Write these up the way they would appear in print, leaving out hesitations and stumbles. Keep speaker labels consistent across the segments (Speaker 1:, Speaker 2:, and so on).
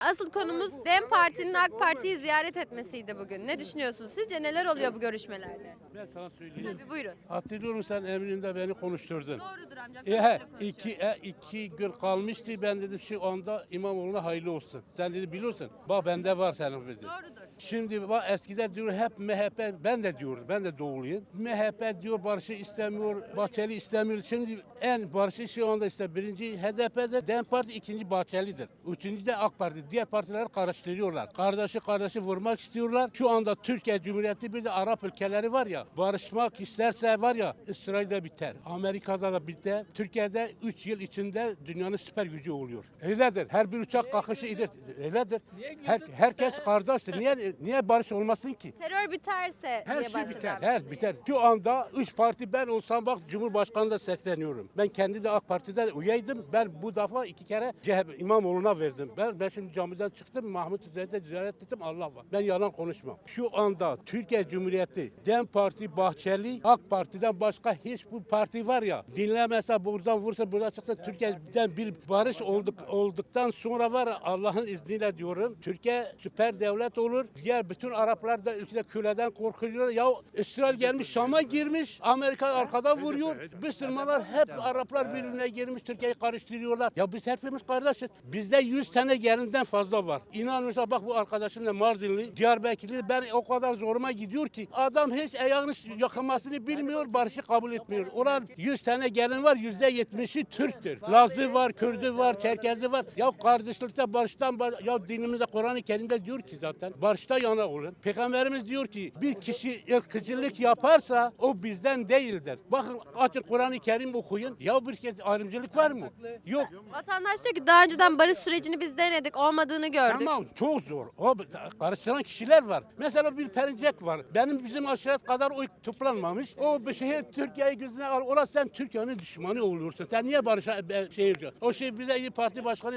Speaker 1: asıl konumuz DEM Parti'nin AK Parti'yi ziyaret etmesiydi bugün. Ne düşünüyorsunuz? Sizce neler oluyor bu görüşmelerde?
Speaker 2: Ben sana söyleyeyim.
Speaker 1: Tabii buyurun.
Speaker 2: Hatırlıyorum sen Eminönü'nde beni konuşturdun.
Speaker 1: Doğrudur amcam. Sen böyle konuşuyorsun.
Speaker 2: İki gün kalmıştı. Ben dedim şu anda İmamoğlu'na hayırlı olsun. Sen dedi biliyorsun. Bak bende var senin dedi.
Speaker 1: Doğrudur.
Speaker 2: Şimdi bak eskiden diyor hep MHP, ben de diyorum, ben de doğuluyum. MHP diyor barışı istemiyor, Bahçeli istemiyor. Şimdi en barışı şu anda işte birinci HDP'de, DEM Parti ikinci Bahçeli'dir. Üçüncü de AK Parti. Diğer partileri karıştırıyorlar. Kardeşi vurmak istiyorlar. Şu anda Türkiye Cumhuriyeti bir de Arap ülkeleri var ya, barışmak isterse var ya İsrail'de biter. Amerika'da da biter. Türkiye'de 3 yıl içinde dünyanın süper gücü oluyor. Öyledir. Her bir uçak kalkışı iyidir. Öyledir. Herkes kardeştir. Niye barış olmasın ki?
Speaker 1: Terör biterse
Speaker 2: Her
Speaker 1: diye
Speaker 2: şey
Speaker 1: başladı
Speaker 2: biter,
Speaker 1: amca.
Speaker 2: her biter. Şu anda 3 parti ben olsam bak Cumhurbaşkanı'na sesleniyorum. Ben kendi de AK Parti'de üyeydim. Ben bu defa 2 kere CHP İmamoğlu'na verdim. Ben şimdi camiden çıktım, Mahmut Üzer'de ziyaret ettim, Allah var. Ben yalan konuşmam. Şu anda Türkiye Cumhuriyeti, DEM Parti, Bahçeli, AK Parti'den başka hiçbir parti var ya, dinlemese buradan vursa buradan çıksa Türkiye'den bir barış olduktan sonra var ya, Allah'ın izniyle diyorum, Türkiye süper devlet olur. Diğer bütün Araplar da ülkede köleden korkuyor. Ya İsrail gelmiş Şam'a girmiş. Amerika arkada vuruyor. Müslümanlar hep Araplar birbirine girmiş. Türkiye'yi karıştırıyorlar. Ya biz hepimiz kardeşiz. Bizde 100 tane gelinden fazla var. İnan mesela bak bu arkadaşımla Mardinli, Diyarbakırlı ben o kadar zoruma gidiyor ki adam hiç ayağını yakılmasını bilmiyor, barışı kabul etmiyor. Oran 100 tane gelin var. %70'i Türktür. Lazı var, Kürdü var, Çerkezi var. Ya kardeşlikte barıştan ya dinimizde Kur'an-ı Kerim'de diyor ki zaten barışta yana olun. Peygamberimiz diyor ki bir kişi ırkçılık yaparsa o bizden değildir. Bakın açın Kur'an-ı Kerim okuyun. Ya bir kez ayrımcılık var mı? Yok.
Speaker 1: Vatandaş diyor ki daha önceden barış sürecini biz denedik, olmadığını gördük.
Speaker 2: Tamam çok zor. O karıştıran kişiler var. Mesela bir Perinçek var. Bizim aşiret kadar oy toplanmamış. O bir şehir Türkiye'yi gözüne al. Orası sen Türkiye'nin düşmanı oluyorsun. Sen niye barışa diyor? O şey bize İYİ Parti Başkanı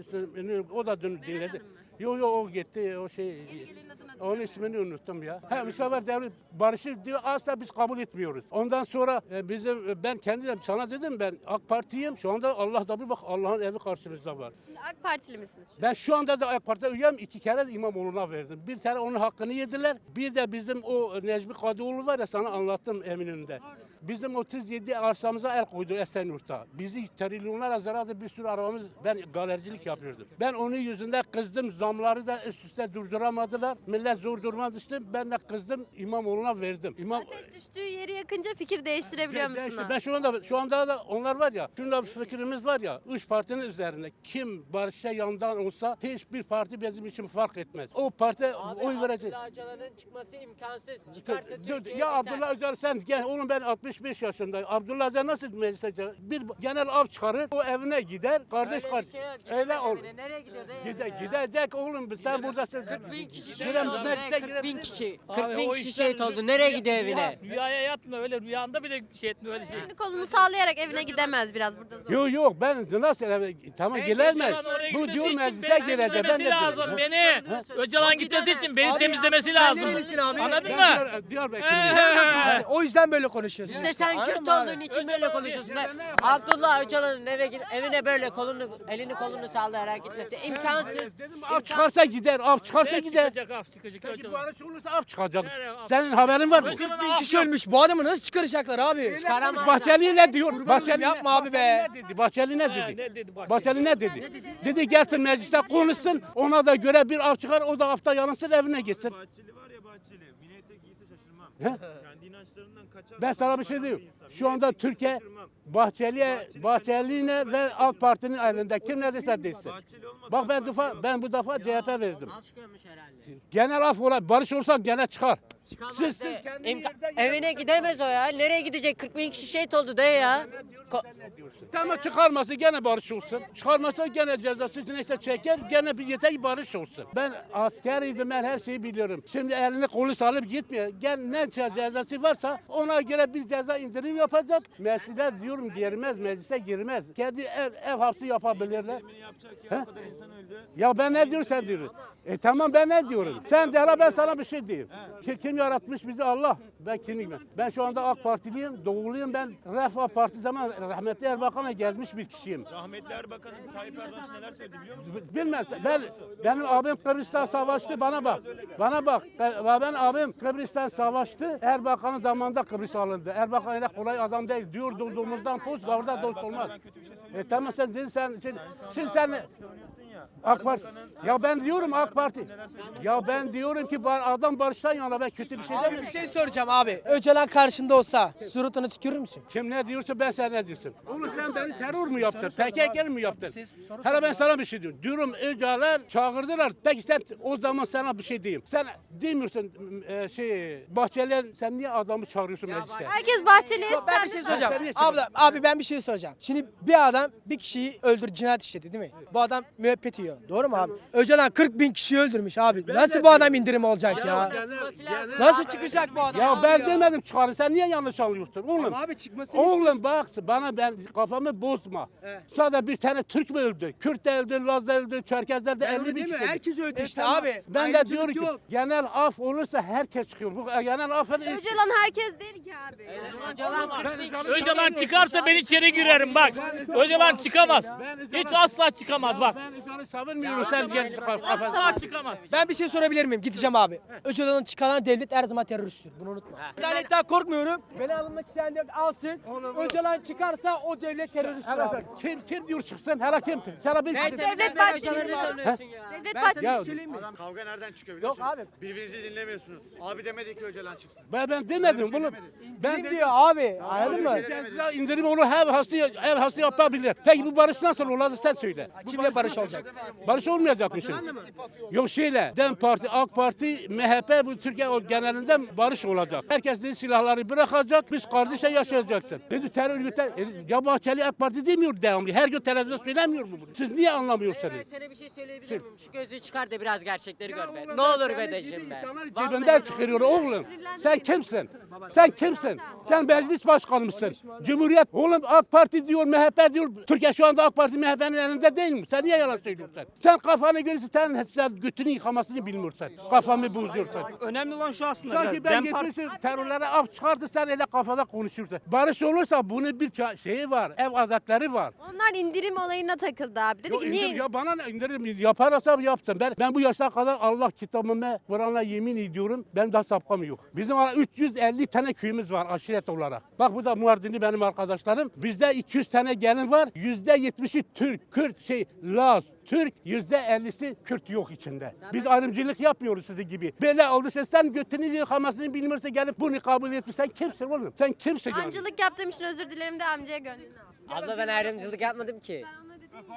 Speaker 2: o da dinledi. Yok o gitti o şey. Onun ismini unuttum ya. Bu sefer devlet barışı diyor asla biz kabul etmiyoruz. Ondan sonra ben kendim sana dedim ben AK Parti'yim. Şu anda Allah da bir bak Allah'ın evi karşımızda var.
Speaker 1: Şimdi AK Partili misiniz?
Speaker 2: Ben şu anda da AK Parti'ye üyem 2 kere de İmamoğlu'na verdim. Bir kere onun hakkını yediler. Bir de bizim o Necmi Kadıoğlu var ya sana anlattım Eminönü'nde. Bizim 37 arsamıza el koydu Esenyurt'ta. Bizi trilyonlara zarar bir sürü arabamız ben galericilik yapıyordum. Ben onun yüzünden kızdım. Zamları da üst üste durduramadılar. Millet zor duruma düştü. Ben de kızdım İmamoğlu'na verdim.
Speaker 1: Ateş düştüğü yeri yakınca fikir değiştirebiliyor musun?
Speaker 2: Ben şu anda da onlar var ya. Şunda bir fikrimiz var ya. 3 partinin üzerinde kim barışa yandan olsa hiçbir parti bizim için fark etmez. O parti oy verecek.
Speaker 3: Abdullah Öcalan'ın çıkması imkansız. Çıkarsa Türkiye
Speaker 2: Ya
Speaker 3: biter.
Speaker 2: Abdullah Öcalan sen gel oğlum ben 65 yaşındayım. Abdullah Öcalan nasıl meclise gelir? Bir genel av çıkarır o evine gider. Kardeş
Speaker 3: Öyle
Speaker 2: kardeş.
Speaker 3: bir şey yok.
Speaker 2: Öyle
Speaker 3: Gidemez
Speaker 2: ol.
Speaker 3: evine. Nereye gidiyor dayı?
Speaker 2: Gidecek oğlum sen buradasın.
Speaker 3: 40 bin kişi şehit
Speaker 2: Giremez,
Speaker 3: oldu.
Speaker 2: meclise
Speaker 3: 40 bin
Speaker 2: girebilir
Speaker 3: kişi.
Speaker 4: Abi
Speaker 3: 40 bin
Speaker 4: o
Speaker 3: kişi
Speaker 4: işler
Speaker 3: şehit oldu. Nereye gidiyor evine?
Speaker 4: Rüyaya yatma öyle rüyanda bile şey etme öyle şey.
Speaker 1: Elini kolunu sallayarak evine gidemez biraz burada zor.
Speaker 2: Yok ben nasıl tamam gelemez.
Speaker 4: Öcalan oraya
Speaker 2: Bu
Speaker 4: gitmesi
Speaker 2: diyor
Speaker 4: için
Speaker 2: meclise
Speaker 4: beni
Speaker 2: girecek. Ben
Speaker 4: temizlemesi
Speaker 2: de
Speaker 4: lazım
Speaker 2: diyorum.
Speaker 4: beni. Öcalan gitmesi için beni temizlemesi lazım. Anladın mı?
Speaker 2: Diyarbakır'da.
Speaker 5: O yüzden böyle konuşuyorsun.
Speaker 3: İşte sen Kürt olduğun için böyle konuşuyorsun. Abdullah Öcalan'ın evine böyle elini kolunu sallayarak gitmesi imkansız.
Speaker 2: Dedim av çıkarsa gider, av çıkarsa gider.
Speaker 4: Çıkacak af çıkacak
Speaker 2: Peki
Speaker 4: Öcalan.
Speaker 2: barış olursa av çıkacak.
Speaker 4: Nereye av?
Speaker 2: Senin haberin var mı?
Speaker 4: Öcalan
Speaker 5: Bir
Speaker 4: af
Speaker 5: kişi
Speaker 4: yok.
Speaker 5: ölmüş. Bu adamı nasıl çıkaracaklar abi?
Speaker 3: Çıkaramazlar.
Speaker 2: Bahçeli ne diyor? Bahçeli
Speaker 5: yapma abi be.
Speaker 2: ne dedi? Bahçeli ne
Speaker 4: Ne
Speaker 2: dedi?
Speaker 4: dedi Bahçeli?
Speaker 2: Bahçeli ne dedi? Dedi gelsin mecliste konuşsun. Ona da göre bir av çıkar. O da hafta yalınsın evine gitsin.
Speaker 6: Bahçeli var ya Bahçeli. Mini etek giyse şaşırmam.
Speaker 2: He?
Speaker 6: Kendi inançlarından kaçar.
Speaker 2: Ben sana bir şey diyeyim. Şu anda
Speaker 6: Mini etek giyse
Speaker 2: Türkiye
Speaker 6: şaşırmam.
Speaker 2: Bahçeli'ne ve AK Parti'nin elinde kim ne derse desin.
Speaker 6: Bahçeli olmasa
Speaker 2: Bak ben bu defa CHP verdim.
Speaker 3: Al çıkıyormuş herhalde.
Speaker 2: Genel af ola barış olsa gene çıkar.
Speaker 3: Çıkamaz
Speaker 2: Siz
Speaker 3: de.
Speaker 2: kendi yerden
Speaker 3: Evine gidemez o ya. Nereye gidecek? 40 bin kişi şehit oldu dayı ya.
Speaker 2: Tamam çıkarması gene barış olsun. Çıkarmasa gene cezası neyse çeker gene bir yeter ki barış olsun. Ben askeriydim ben her şeyi biliyorum. Şimdi elini kolu salıp gitmiyor. Gel ne cezası varsa ona göre bir ceza indirim yapacak. Meclise diyorum girmez meclise girmez. Kendi ev hapsi yapabilirler.
Speaker 6: yapacak ya o kadar insan öldü.
Speaker 2: Ya ben ne diyorum sen diyorsun. Tamam ben ne diyorum. Sen de ara ben sana bir şey diyeyim. Kim yaratmış bizi? Allah. Ben kimim ben? Ben şu anda AK Partiliyim, doğuluyum. Ben Refah Parti zaman rahmetli Erbakan'a gelmiş bir kişiyim.
Speaker 6: Rahmetli Erbakan'ın Tayyip Erdoğan için neler söyledi biliyor musun?
Speaker 2: Bilmez. Benim abim Kıbrıs'ta savaştı. Bana bak. Bana bak. Ben abim Kıbrıs'tan savaştı. Erbakan'ın zamanında Kıbrıs alındı. Erbakan öyle kolay adam değil. Diyor durduğumuzdan poz orada dost olmaz. Tamam sen dedin şimdi sen AK Parti. Ya ben diyorum AK Parti. Ya ben diyorum ki adam barıştan yana ben kötü bir şey
Speaker 5: Abi
Speaker 2: demiyorum.
Speaker 5: bir şey soracağım abi. Öcalan karşında olsa suratına tükürür müsün?
Speaker 2: Kim ne diyorsa ben sen ne diyorsun? Oğlum sen beni terör mü yaptın? PKK mi yaptın? Hele ben sana bir şey diyorum. Diyorum Öcalan çağırdılar. Peki sen o zaman sana bir şey diyeyim. Sen demiyorsun Bahçeli'ye sen niye adamı çağırıyorsun meclise?
Speaker 1: Herkes Bahçeli'ye
Speaker 5: Ben bir şey soracağım. Abi ben bir şey soracağım. Şimdi bir adam bir kişiyi cinayet işledi değil mi? Bu adam müebbet yiyor. Doğru mu abi? Öcalan 40 bin kişiyi öldürmüş abi. Nasıl bu adam indirim olacak ya? Nasıl çıkacak bu adam?
Speaker 2: Ya ben demedim çıkarın. Sen niye yanlış anlıyorsun oğlum?
Speaker 5: Abi çıkmasını
Speaker 2: Oğlum bak bana ben kafamı bozma. Sadece bir tane Türk mü öldü? Kürt de öldü, Laz da öldü, Çerkezler de 50 bin kişi öldü.
Speaker 5: Herkes öldü işte
Speaker 2: Tamam.
Speaker 5: abi.
Speaker 2: Ben de
Speaker 5: Ayrımcılık
Speaker 2: diyorum ki
Speaker 5: yok.
Speaker 2: genel af olursa herkes çıkıyor. Bu genel afın
Speaker 1: Öcalan herkes değil ki abi.
Speaker 4: Öcalan çıkarsa ben içeri girerim bak. Öcalan çıkamaz. Hiç asla çıkamaz bak.
Speaker 2: Ben Öcalan'ı savunmuyorum sen gel kafasına.
Speaker 4: Asla çıkamaz.
Speaker 5: Ben bir şey sorabilir miyim? Gideceğim abi. Öcalan'ın çıkaran devlet her zaman teröristtir. Bunu unutma. Adaletten korkmuyorum. Beni alınmak isteyen devlet alsın. Öcalan çıkarsa o devlet teröristtir
Speaker 2: Hele
Speaker 5: abi.
Speaker 2: sen kim diyor çıksın? Hele kim? Sana bir
Speaker 1: Devlet Bahçeli. Devlet Bahçeli.
Speaker 2: Ya
Speaker 7: Adam kavga nereden çıkıyor biliyor
Speaker 5: Yok
Speaker 7: musun?
Speaker 5: abi.
Speaker 7: Birbirinizi dinlemiyorsunuz. Abi demedi ki Öcalan çıksın.
Speaker 2: ben demedim bunu. Ben
Speaker 5: Kim diyor abi? Anladın mı?
Speaker 2: indirim onu ev hası yapabilir. Peki bu barış nasıl olur sen söyle.
Speaker 5: Kimle barış olacak?
Speaker 2: Barış olmayacak mı şimdi? Yok DEM Parti, AK Parti, MHP bu Türkiye genelinde barış olacak. Herkes dedi silahları bırakacak, biz kardeşe yaşayacaksın. Dedi terör örgütler, ya Bahçeli AK Parti demiyor devamlı. Her gün televizyonda söylemiyor mu bunu? Siz niye anlamıyorsunuz?
Speaker 3: Ben sana bir şey söyleyebilir miyim? Şu gözlüğü çıkar da biraz gerçekleri gör be. Ne olur be dayıcım be.
Speaker 2: Cebinden çıkarıyor oğlum. Sen kimsin? Sen kimsin? Sen meclis başkanı mısın? Cumhuriyet. Oğlum AK Parti diyor, MHP diyor. Türkiye şu anda AK Parti MHP'nin elinde değil mi? Sen niye yalan söylüyorsun? Sen kafanı görürsen sen götünü yıkamasını bilmiyorsun. Kafamı bozuyorsun.
Speaker 8: Önemli olan şu aslında
Speaker 2: Sanki ben getirsin terörlere af çıkardı sen öyle kafada konuşursun. Barış olursa bunun bir şeyi var. Ev adetleri var.
Speaker 1: Onlar indirim olayına takıldı abi. Dedi ki niye?
Speaker 2: Ya bana ne indirim yaparsa yapsın. Ben bu yaşa kadar Allah kitabıma Kur'an'la yemin ediyorum. Ben daha sapkam yok. Bizim 350 tane köyümüz var aşiret olarak. Bak bu da Muardinli benim arkadaşlarım. Bizde 200 tane gelin var. %70'i Türk, Kürt, Laz, Türk, %50'si Kürt yok içinde. Biz ayrımcılık yapmıyoruz sizin gibi. Böyle olduysa sen götünü yıkamasını bilmiyorsa gelip bunu kabul etmiş. Sen kimsin oğlum? Sen kimsin yani?
Speaker 1: Amcalık yaptığım için özür dilerim de amcaya gönlünü al.
Speaker 3: Abla ben ayrımcılık yapmadım ki.
Speaker 1: Ben ona dedim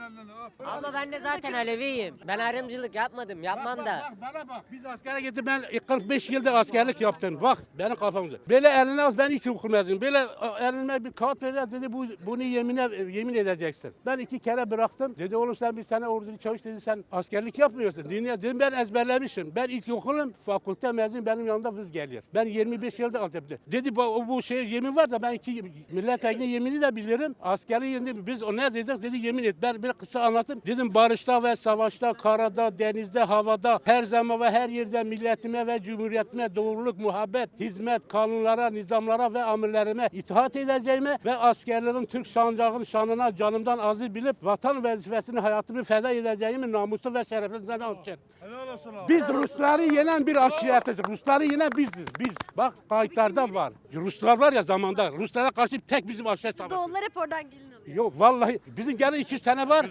Speaker 1: ya.
Speaker 3: Abla ben de zaten Aleviyim. Ben ayrımcılık yapmadım. Yapmam da.
Speaker 2: Bana bak biz askere gittik ben 45 yıldır askerlik yaptım. Bak benim kafamda. Böyle eline az ben ilkokul mezunuyum. Böyle elime bir kağıt verdiler dedi bunu yemin edeceksin. Ben 2 kere bıraktım. Dedi oğlum sen bir sene orada çalış dedi sen askerlik yapmıyorsun. Dedim ben ezberlemişim. Ben ilkokulum fakülte mezunuyum benim yanımda vız geliyor. Ben 25 yıldır Antep'te. Dedi bu şey yemin var da ben milletvekili yemini de bilirim. Askeri yemin biz o ne dedik dedi yemin et. Ben bir kısa anlatayım. Dedim barışta ve savaşta, karada, denizde, havada her zaman ve her yerde milletime ve cumhuriyetime doğruluk, muhabbet, hizmet, kanunlara, nizamlara ve amirlerime itaat edeceğime ve askerlerin Türk sancağının şanına canımdan aziz bilip vatan vazifesini hayatımı feda edeceğimi namusu ve şerefimden alçın. Biz Rusları yenen bir aşiretiz. Rusları yenen biziz. Biz. Bak kayıtlarda var. Ruslar var ya zamanda. Ruslara karşı tek bizim aşiret savaşı.
Speaker 1: Doğullar hep oradan gelin alıyor.
Speaker 2: Yok vallahi bizim gene 200 tane var.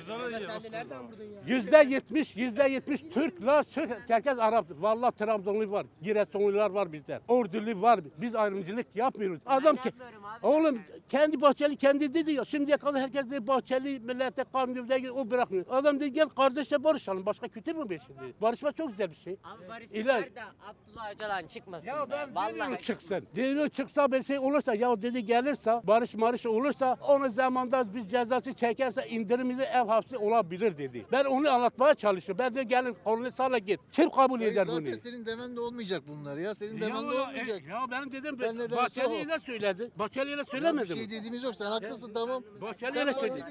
Speaker 2: %70 Türk, Laz, herkes Arap. Vallahi Trabzonlu var, Giresunlular var bizde. Ordulu var. Biz ayrımcılık yapmıyoruz. Adam ki oğlum kendi Bahçeli kendi dedi ya şimdiye kadar herkes dedi Bahçeli millete kanununda o bırakmıyor. Adam dedi gel kardeşle barışalım. Başka kötü mü be şimdi? Barışma çok güzel bir şey.
Speaker 3: Abi barış
Speaker 2: İlahi.
Speaker 3: var da Abdullah Öcalan çıkmasın.
Speaker 2: Ya
Speaker 3: be.
Speaker 2: ben
Speaker 3: Vallahi
Speaker 2: çıksın. Diyor çıksa bir şey olursa ya dedi gelirse barış olursa onun zamanda biraz bir cezası çekerse indirimli ev hapsi olabilir dedi. Ben onu anlatmaya çalışıyorum. Ben de gelin kolunu sağla git. Kim kabul eder bunu?
Speaker 8: Zaten senin demen de olmayacak bunlar ya. Senin demen de olmayacak.
Speaker 2: Ya benim dedim
Speaker 8: Ben ne derse
Speaker 2: Bahçeli'yle
Speaker 8: o.
Speaker 2: söyledi. Bahçeli'yle
Speaker 8: Ya bir
Speaker 2: söylemedim.
Speaker 8: şey dediğimiz yok. Sen haklısın tamam.
Speaker 2: Bahçeli'yle söyledi.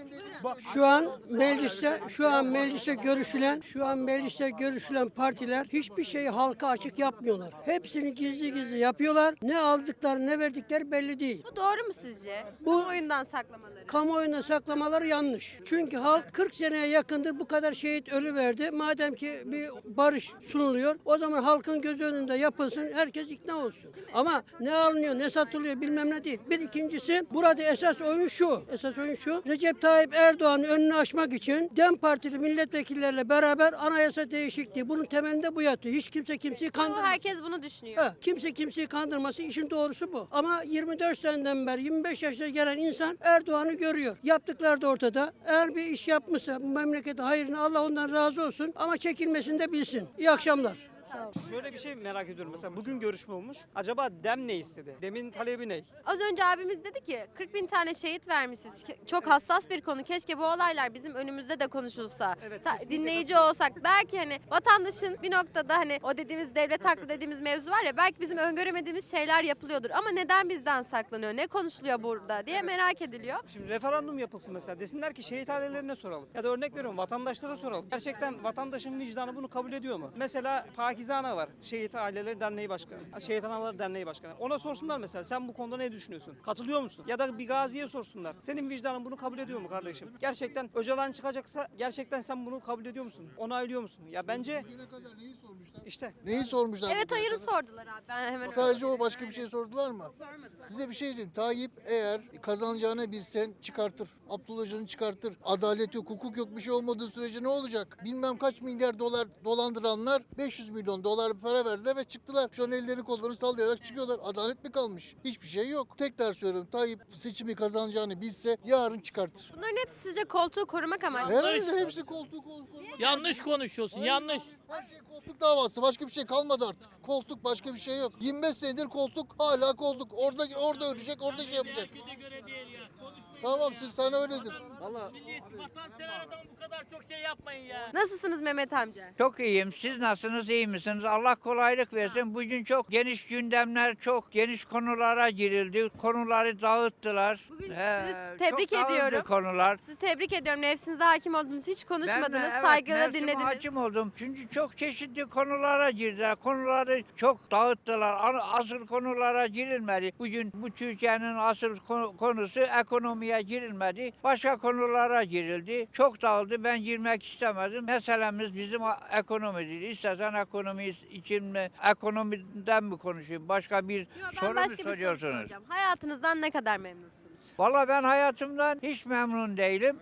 Speaker 9: Şu an mecliste görüşülen partiler hiçbir şeyi halka açık yapmıyorlar. Hepsini gizli gizli yapıyorlar. Ne aldıkları ne verdikleri belli değil.
Speaker 1: Bu doğru mu sizce?
Speaker 9: Bu-
Speaker 1: Bu oyundan saklamaları.
Speaker 9: Kamuoyuna saklamaları yanlış. Çünkü halk 40 seneye yakındır bu kadar şehit ölü verdi. Madem ki bir barış sunuluyor, o zaman halkın göz önünde yapılsın, herkes ikna olsun. Ama ne alınıyor, ne satılıyor bilmem ne değil. Bir ikincisi, burada esas oyun şu. Recep Tayyip Erdoğan'ın önünü açmak için DEM Partili milletvekillerle beraber anayasa değişikliği. Bunun temelinde bu yatıyor. Hiç kimse kimseyi
Speaker 1: Bu
Speaker 9: kandırmaz.
Speaker 1: herkes bunu düşünüyor.
Speaker 9: Ha, kimse kimseyi kandırması, işin doğrusu bu. Ama 24 seneden beri 25 yaşına gelen insan Erdoğan'ı görüyor. Yaptıkları da ortada. Eğer bir iş yapmışsa bu memlekete hayrını, Allah ondan razı olsun, ama çekilmesini de bilsin. İyi akşamlar.
Speaker 10: Şöyle bir şey merak ediyorum. Mesela bugün görüşme olmuş. Acaba DEM ne istedi? DEM'in talebi ne?
Speaker 1: Az önce abimiz dedi ki 40 bin tane şehit vermişiz. Çok hassas bir konu. Keşke bu olaylar bizim önümüzde de konuşulsa.
Speaker 10: Evet, kesinlikle
Speaker 1: Dinleyici olsak. Belki hani vatandaşın bir noktada hani o dediğimiz devlet haklı dediğimiz mevzu var ya, belki bizim öngöremediğimiz şeyler yapılıyordur. Ama neden bizden saklanıyor? Ne konuşuluyor burada diye merak ediliyor.
Speaker 10: Şimdi referandum yapılsın mesela. Desinler ki şehit ailelerine soralım. Ya da örnek veriyorum vatandaşlara soralım. Gerçekten vatandaşın vicdanı bunu kabul ediyor mu? Mesela Pakize Ana var. Şehit Aileleri Derneği Başkanı. Şehit Anaları Derneği Başkanı. Ona sorsunlar mesela sen bu konuda ne düşünüyorsun? Katılıyor musun? Ya da bir gaziye sorsunlar. Senin vicdanın bunu kabul ediyor mu kardeşim? Gerçekten Öcalan çıkacaksa gerçekten sen bunu kabul ediyor musun? Onaylıyor musun? Ya bence
Speaker 8: Bugüne kadar neyi sormuşlar?
Speaker 10: işte
Speaker 8: Neyi sormuşlar?
Speaker 1: Evet,
Speaker 8: bugüne
Speaker 1: hayırı
Speaker 8: kadar?
Speaker 1: sordular abi. Ben hemen
Speaker 8: Sadece o, başka bir şey sordular mı? Size bir şey diyeyim. Tayyip eğer kazanacağını bilsen çıkartır. Abdullah Öcalan'ı çıkartır. Adalet yok, hukuk yok, bir şey olmadığı sürece ne olacak? Bilmem kaç milyar dolar dolandıranlar 500 milyon dolar para verdiler ve çıktılar. Şu an ellerini kollarını sallayarak çıkıyorlar. Adalet mi kalmış? Hiçbir şey yok. Tekrar söylüyorum. Tayyip seçimi kazanacağını bilse yarın çıkartır.
Speaker 1: Bunların hepsi sizce koltuğu korumak amaçlı.
Speaker 8: Herhalde hepsi koltuk.
Speaker 4: Yanlış konuşuyorsun, yanlış.
Speaker 8: Her şey koltuk davası. Başka bir şey kalmadı artık. Koltuk, başka bir şey yok. 25 senedir koltuk, hala koltuk. Orada ölecek, orada şey yapacak.
Speaker 4: Herkese göre değil ya. Konuşmayın
Speaker 8: Tamam,
Speaker 4: ya.
Speaker 8: siz sana öyledir.
Speaker 4: Millet, vatansever adam bu kadar çok şey yapmayın ya.
Speaker 1: Nasılsınız Mehmet amca?
Speaker 11: Çok iyiyim. Siz nasılsınız? İyi misiniz? Allah kolaylık versin. Bugün çok geniş gündemler, çok geniş konulara girildi. Konuları dağıttılar.
Speaker 1: Bugün sizi tebrik
Speaker 11: çok dağıldı
Speaker 1: ediyorum.
Speaker 11: konular.
Speaker 1: Sizi tebrik ediyorum. Nefsinize hakim oldunuz. Hiç konuşmadınız.
Speaker 11: Ben de, evet,
Speaker 1: saygıyla
Speaker 11: nefsime
Speaker 1: dinlediniz.
Speaker 11: hakim oldum. Çünkü çok çeşitli konulara girdiler. Konuları çok dağıttılar. Asıl konulara girilmedi. Bugün bu Türkiye'nin asıl konusu ekonomiye girilmedi. Başka konulara girildi. Çok dağıldı. Ben girmek istemedim. Meselemiz bizim ekonomidir. İstersen ekonomi için mi, ekonomiden mi konuşayım? Başka bir
Speaker 1: Yo, ben
Speaker 11: soru mu
Speaker 1: başka bir soru
Speaker 11: soruyorsunuz?
Speaker 1: soracağım. Hayatınızdan ne kadar memnunsunuz?
Speaker 11: Valla ben hayatımdan hiç memnun değilim.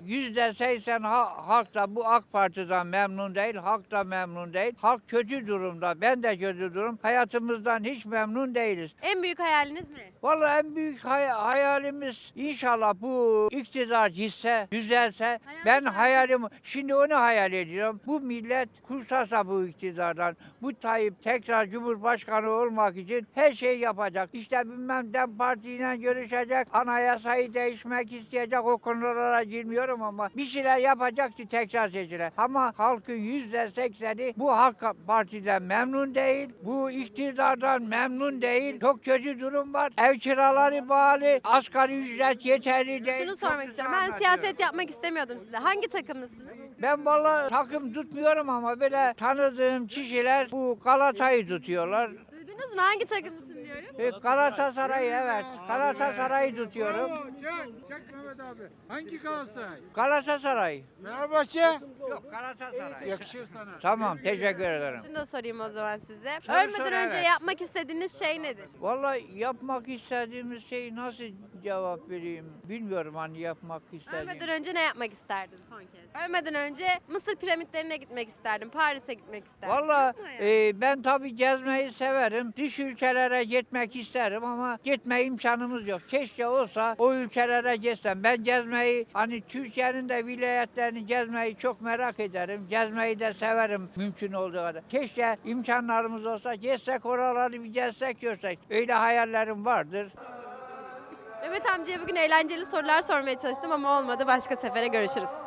Speaker 11: %80 halk da bu AK Parti'den memnun değil, halk da memnun değil. Halk kötü durumda, ben de kötü durum. Hayatımızdan hiç memnun değiliz.
Speaker 1: En büyük hayaliniz ne?
Speaker 11: Valla en büyük hayalimiz inşallah bu iktidar gitse, düzelse. Ben hayalim, şimdi onu hayal ediyorum. Bu millet kursasa bu iktidardan, bu Tayyip tekrar Cumhurbaşkanı olmak için her şey yapacak. İşte bilmem DEM Parti'yle görüşecek, anayasayı değişmek isteyecek, o konulara girmiyorum ama bir şeyler yapacak ki tekrar seçilir. Ama halkın %80'i bu Halk Parti'den memnun değil, bu iktidardan memnun değil. Çok kötü durum var. Ev kiraları bağlı, asgari ücret yeterli değil.
Speaker 1: Şunu
Speaker 11: Çok
Speaker 1: sormak
Speaker 11: güzel
Speaker 1: istiyorum. Ben
Speaker 11: anlatıyorum.
Speaker 1: siyaset yapmak istemiyordum size. Hangi takımlısınız?
Speaker 11: Ben vallahi takım tutmuyorum ama böyle tanıdığım kişiler bu Galata'yı tutuyorlar.
Speaker 1: Duydunuz mu? Hangi takımlısın diyorum.
Speaker 11: Galatasaray'ı, evet. Galatasaray'ı tutuyorum.
Speaker 6: Çek Mehmet abi. Hangi Galatasaray?
Speaker 11: Galatasaray.
Speaker 6: Fenerbahçe.
Speaker 11: Yok, Galatasaray.
Speaker 6: Yakışır sana.
Speaker 11: Tamam, teşekkür ederim.
Speaker 1: Şunu da sorayım o zaman size.
Speaker 11: Sor,
Speaker 1: Ölmeden önce
Speaker 11: evet.
Speaker 1: yapmak istediğiniz şey nedir?
Speaker 11: Vallahi yapmak istediğimiz şey nasıl cevap vereyim bilmiyorum hani yapmak istediğim.
Speaker 1: Ölmeden önce ne yapmak isterdin son kez? Ölmeden önce Mısır piramitlerine gitmek isterdim. Paris'e gitmek isterdim.
Speaker 11: Vallahi
Speaker 1: Yok mu yani?
Speaker 11: ben tabii gezmeyi severim. Dış ülkelere gitmek isterim ama gitme imkanımız yok. Keşke olsa o ülkelere gezsem. Ben gezmeyi hani Türkiye'nin de vilayetlerini gezmeyi çok merak ederim. Gezmeyi de severim mümkün olduğu kadar. Keşke imkanlarımız olsa gezsek oraları bir gezsek görsek. Öyle hayallerim vardır.
Speaker 1: Mehmet amcaya bugün eğlenceli sorular sormaya çalıştım ama olmadı. Başka sefere görüşürüz.